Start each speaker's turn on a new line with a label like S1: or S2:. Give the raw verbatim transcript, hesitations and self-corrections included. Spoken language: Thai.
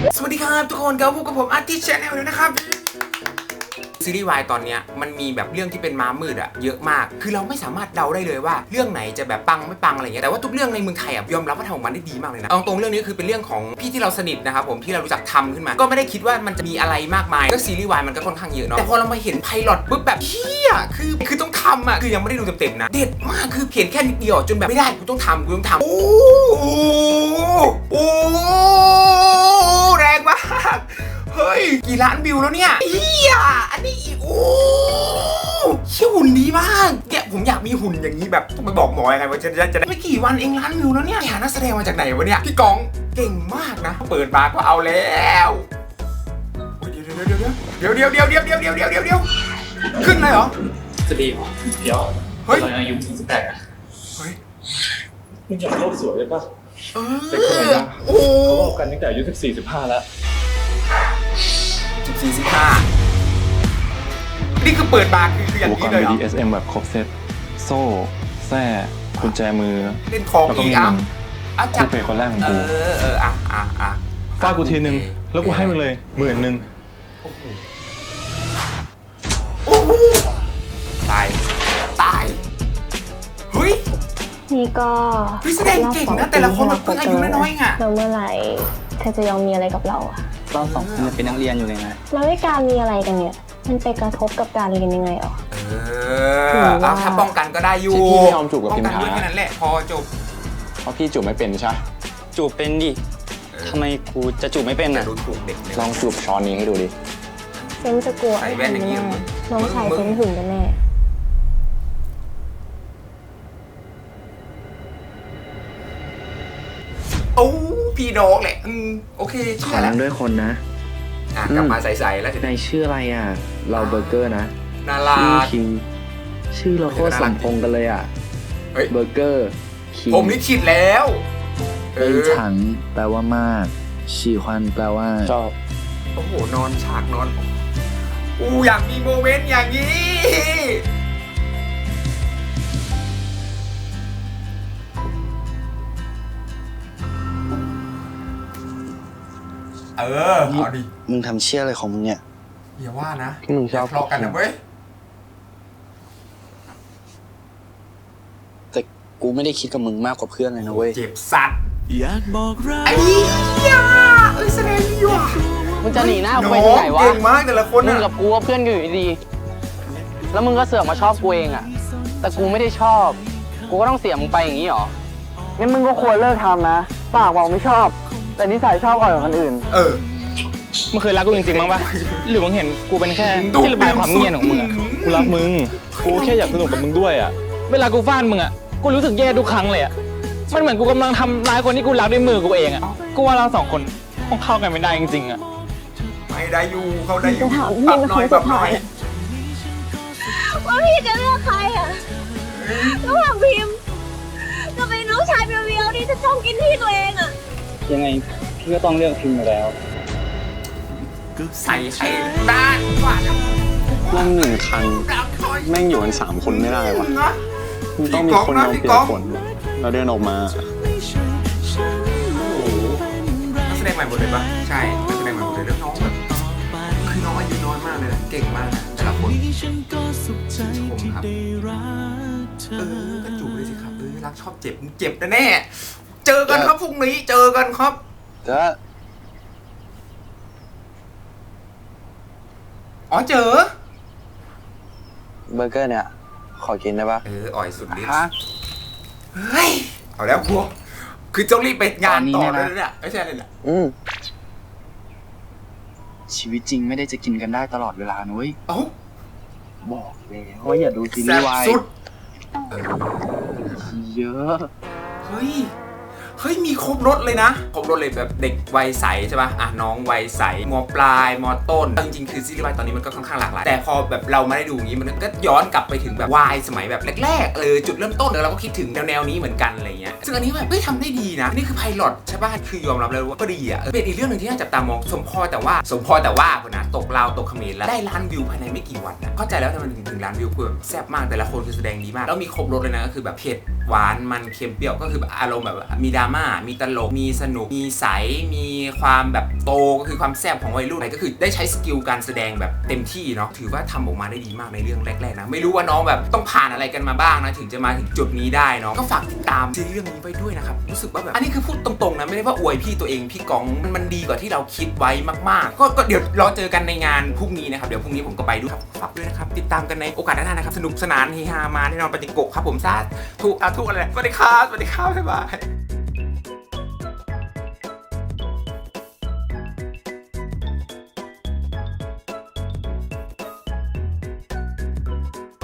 S1: สวัสดีครับทุกคนกับพวกกับผมอาร์ติชแนลเลยนะครับซีรีส์วายตอนนี้มันมีแบบเรื่องที่เป็นม้ามืดอะเยอะมากคือเราไม่สามารถเดาได้เลยว่าเรื่องไหนจะแบบปังไม่ปังอะไรเงี้ยแต่ว่าทุกเรื่องในเมืองไทยอะยอมรับว่าทำออกมาได้ดีมากเลยนะเอาตรงเรื่องนี้คือเป็นเรื่องของพี่ที่เราสนิทนะครับผมที่เรารู้จักทำขึ้นมาก็ไม่ได้คิดว่ามันจะมีอะไรมากมายก็ซีรีส์วายมันก็ค่อนข้างเยอะเนาะแต่พอเรามาเห็นไพลอตปุ๊บแบบเฮียคือคือต้องทำอะคือยังไม่ได้ดูเต็มๆนะเด็ดมากคือเห็นแค่นิดเดียวจนแบบไม่ได้กูต้องทำกูต้องทำโอ้โหแรงมากเฮ้ยกี่ล้านวิวแล้วเนี่ยเฮียอันนี้อีกโอ้เชี่ยหุ่นดีมากเนี่ยผมอยากมีหุ่นอย่างนี้แบบต้องไปบอกหมอยังไงว่าจะจะได้ไม่กี่วันเองล้านวิวแล้วเนี่ยหานักแสดงมาจากไหนวะเนี่ยพี่กองเก่งมากนะเปิดมาก็เอาแล้วเดี๋ยวเดี๋ยวเดี๋ยวเดี๋ยวเดี๋ยวเดี๋ยวเดี๋ยวเดี๋ยวเดี๋ยวขึ้นเลยเหรอ
S2: จะดีเหรอเดี๋ยวเฮ้ยตอนอายุสิบแปดอะ
S1: เฮ้ย
S2: มึงอยากโลกสวยเลยป่ะ
S1: เออโอ้
S2: เขาบอกกันตั้งแต่อายุสิบสี่สิบห้าแล้ว
S1: สิบสี่สิบห้านี่คือเปิดมาคือคืออย่างนี้เลยเหรอ
S2: อุปกรณ์ บี ดี เอส เอ็ม แบบครบเซ็ตโซ่แส้กุญแจมือ
S1: เล่นของอีกอ่ะ
S2: อ่ะคู่เพย์คนแรกของกู
S1: เออเอออ่ะอ่ะอ่ะ
S2: ฟาดกูทีนึงแล้วกูให้มึงเลยหมื่นนึง
S1: โอ้โหตายตายเฮ้ย
S3: นี่ก็
S1: พี่แสดงเก่งนะแต่ละคนแบบเพิ่งอายุน้อยๆไง
S3: แล้วเมื่อไหร่เธอจะยอมมีอะไรกับเราอะ
S4: เราสองคนเป็นนักเรียนอยู่เลยนะ
S3: แล้วการมีอะไรกันเนี่ยมันไปกระทบกับการเรียนยังไงอ่ะ
S1: เออเอาถ้าป้องกันก็ได้อยู่
S4: พี่ไม่ยอมจูบกับพิมพ์
S1: ป้องกันด้วยแค่นั้นแหละพอจบ
S4: เพราะพี่จูบไม่เป็นใช่จูบเป็นดิทำไมกูจะจูบไม่เป็นอ่ะ
S1: ดูถูกเด็ก
S4: ลองจูบช้อนนี้ให้ดูดิ
S3: เซนจะกลัวอะไรไม่ได้น้องชายเซนหึงกันแน่
S1: โอ้พี่น้องแหละอืมโอเค
S4: ขอนั่งด้วยคนนะ
S1: อ่ะกลับมาใส่ๆแล้ว
S4: ในชื่ออะไรอ่ะเราเบอร์เกอร์นะ
S1: น่ารัก
S4: คิงชื่อเราโคตรสมพงษ์กันเลยอ่ะเบอร์เกอร์
S1: คิงผมลิขิตแล้ว
S4: เอินฉันแปลว่ามากฉี่ควันแปลว่า
S1: ชอบโอ้โหนอนฉากนอนอู้อยากมีโมเมนต์อย่างนี้เออเอาดิ
S4: มึงทำเชี่ยอะไรของมึงเนี่ย
S1: อย่าว่านะ
S4: มึงชอบ
S1: ทะเลาะกันนะเว้ย
S4: แต่กูไม่ได้คิดกับมึงมากกว่าเพื่อนเลยนะเว้ย
S1: เจ็บสัตว์อยากบอกรักไอ้ยาเอ้ยแสดงดีว่ะ
S5: มึงจะหนีหน้ากูไปที่ไหนวะ
S1: เก่งมากแต่ละคน
S5: มึงกับกูว่าเพื่อนกันอยู่ดีแล้วมึงก็เสือกมาชอบกูเองอ่ะแต่กูไม่ได้ชอบกูก็ต้องเสียมึงไปอย่างนี้หรองั้นมึงก็ควรเลิกทำนะปากบอกไม่ชอบแต่นิสัยชอบอ่อยกว่าคนอื่น
S1: เออ
S2: มึงเคยรักกูจริงๆมั้งปะหรือมึงเห็นกูเป็นแค่ที่ระบายความเงียบของมึงอะกูรักมึงกูแค่อยากสนุกกับมึงด้วยอะเวลากูฟาดมึงอะกูรู้สึกแย่ทุกครั้งเลยอะมันเหมือนกูกำลังทำร้ายคนที่กูรักด้วยมือกูเองอะกูว่าเราสองคนคงเข้ากันไม่ได้จริงๆอะ
S1: ไม่ได้อยู่เขาได้อยู่
S3: ถามพี่เป็นคนสุดท้าย
S6: ว่าพี่จะเลือกใครอะระหว่างพิมพ์กับไอ้น้องชายเบียวๆที่จะชอบกินที่ตัวเองอะ
S4: ยังไงพี่ก็ต้องเลือกพิมพ์อยู่แล้ว
S1: ใส่ไข่ด้านกว่า
S4: นั่งหนึ่งคันแม่งอยู่กันสามคนไม่ได้วะมันต้องมีคนเอาเปลี่ยนคนเราเดินออกมา
S1: นักแสดงใหม่หมดเลยปะใช่นักแสดงใหม่หมดเลยแล้วน้องแบบคือน้องอายุน้อยมากเลยนะเก่งมากแต่ละคนชมครับเออกระจูบเลยสิครับเออรักชอบเจ็บเจ็บแน่เจอกันครับพรุ่งนี้เจอกันครับ
S4: จะ
S1: อ๋อเจอ
S4: เบอร์เกอร์เนี่ยขอกินได้ปะ
S1: เอออ่อยสุดฤทธิ์เฮ้ยเอาแล้วพวกคือต้องรีบไปงานต่อเลยเนี่ยไม่ใช่เลยแหละ
S4: อืมชีวิตจริงไม่ได้จะกินกันได้ตลอดเวลานุ้ย
S1: เอ้า
S4: บอกเลยว่าอย่าดูซีรีส์วายเยอะ
S1: เฮ้ยเฮ้ยมีครบรถเลยนะครบรถเลยแบบเด็กวัยใสใช่ป่ะอ่ะน้องวัยใสมปลายมต้นจริงๆคือซีรีส์วายตอนนี้มันก็ค่อนข้างหลากหลายแต่พอแบบเราไม่ได้ดูอย่างนี้มันก็ย้อนกลับไปถึงแบบวายสมัยแบบแรกๆเออจุดเริ่มต้นเราก็คิดถึงแนวๆนี้เหมือนกันอะไรเงี้ยซึ่งอันนี้แบบเฮ้ยทำได้ดีนะนี่คือไพลอตใช่ป่ะคือยอมรับเลยว่าก็ดีอ่ะเป็นอีกเรื่องนึงที่น่าจับตามองสมพอแต่ว่าสมพอแต่ว่าคนนะตกลาวตกเขมรแล้วได้ล้านวิวภายในไม่กี่วันนะเข้าใจแล้วทำไมถึงถึงล้านวิวคือแบบแซ่บมากแต่ละคนคือแสดงดีมากแล้วมีครบรถเลยนะก็คือแบบเผ็ดหวานมันเค็มเปรี้ยวก็คือแบบอารมณ์แบบมีดราม่ามีตลกมีสนุกมีใสมีความแบบโตก็คือความแซ่บของวัยรุ่นอะไรก็คือได้ใช้สกิลการแสดงแบบเต็มที่เนาะถือว่าทำออกมาได้ดีมากในเรื่องแรกๆนะไม่รู้ว่าน้องแบบต้องผ่านอะไรกันมาบ้างนะถึงจะมาถึงจุดนี้ได้เนาะก็ฝากติดตามซีรีส์เรื่องนี้ไว้ด้วยนะครับรู้สึกว่าแบบอันนี้คือพูดตรงๆนะไม่ได้ว่าอวยพี่ตัวเองพี่กองมันมันดีกว่าที่เราคิดไว้มากๆก็ก็เดี๋ยวรอเจอกันในงานพรุ่งนี้นะครับเดี๋ยวพรุ่งนี้ผมก็ไปด้วยครับฝากด้วยนะครับติดตามกันในโอกาสหน้านะครับสนุกสนานเฮฮามาแน่นอนปฏิโกะครับผมซาทุกอาทุกอะไรสวัสดีครับสวัสดีครับบ๊ายบาย